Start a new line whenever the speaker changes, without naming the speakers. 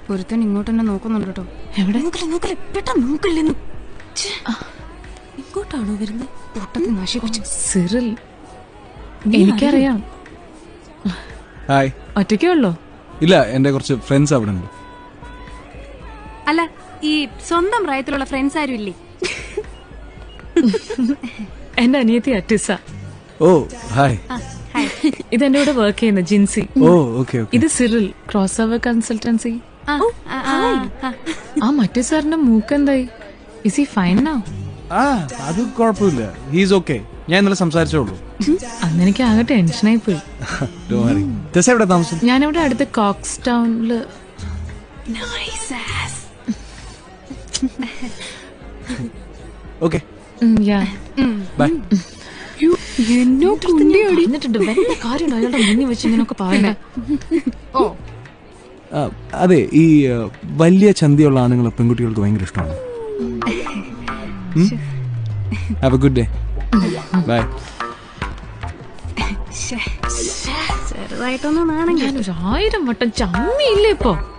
ഒരുത്തൻ ഇങ്ങോട്ട് തന്നെ നോക്കുന്നുണ്ട് കേട്ടോ.
എവിടെ?
നോക്കില്ലെന്ന്.
ഇങ്ങോട്ടാണോ വരുന്നത്?
പൊട്ടത്തിൽ നശിപ്പിച്ചു.
സിറിൽ, എനിക്കറിയാം.
ഹായ്.
ഒറ്റയ്ക്കേ ഉള്ളോ?
ഇല്ല, എന്റെ കുറച്ച് ഫ്രണ്ട്സ് അവിടെ ഉണ്ട്.
അല്ല, ഈ സ്വന്തം പ്രായത്തിലുള്ള ഫ്രണ്ട്സ് ആരും ഇല്ലേ?
എന്റെ അനിയത്തി അറ്റിസ.
ഓ ഹായ്.
ഇതെന്റെ കൂടെ വർക്ക് ചെയ്യുന്ന ജിൻസി.
ഓ ഓക്കെ.
ഇത് സിറിൽ, ക്രോസ് ഓവർ കൺസൾട്ടൻസി. ആ മറ്റേ സാറിന്റെ മൂക്കെന്തായി? Is he fine now?
അത് കുഴപ്പമില്ല, ഹീസ് ഓക്കെ. ഞാൻ ഇന്നലെ സംസാരിച്ചോളൂ.
അന്ന് എനിക്ക് ആകെ ടെൻഷനായി പോയി.
എവിടെ താമസം?
ഞാനിവിടെ അടുത്ത് കോക്സ് ടൗണില്.
Okay bye.
എന്നിട്ടുണ്ട് വല്ല കാര്യം അയാളുടെ മുന്നിൽ വെച്ച് ഇങ്ങനെയൊക്കെ പറയണ്ടേ?
അതെ, ഈ വലിയ ചന്തിയുള്ള ആണുങ്ങൾ പെൺകുട്ടികൾക്ക് ഭയങ്കര ഇഷ്ടമാണ്. Have a good day. Bye.
ചെറുതായിട്ടൊന്നും ആണെങ്കിൽ
ഞാൻ 1000 വട്ടം ചമ്മിയില്ലേ ഇപ്പൊ.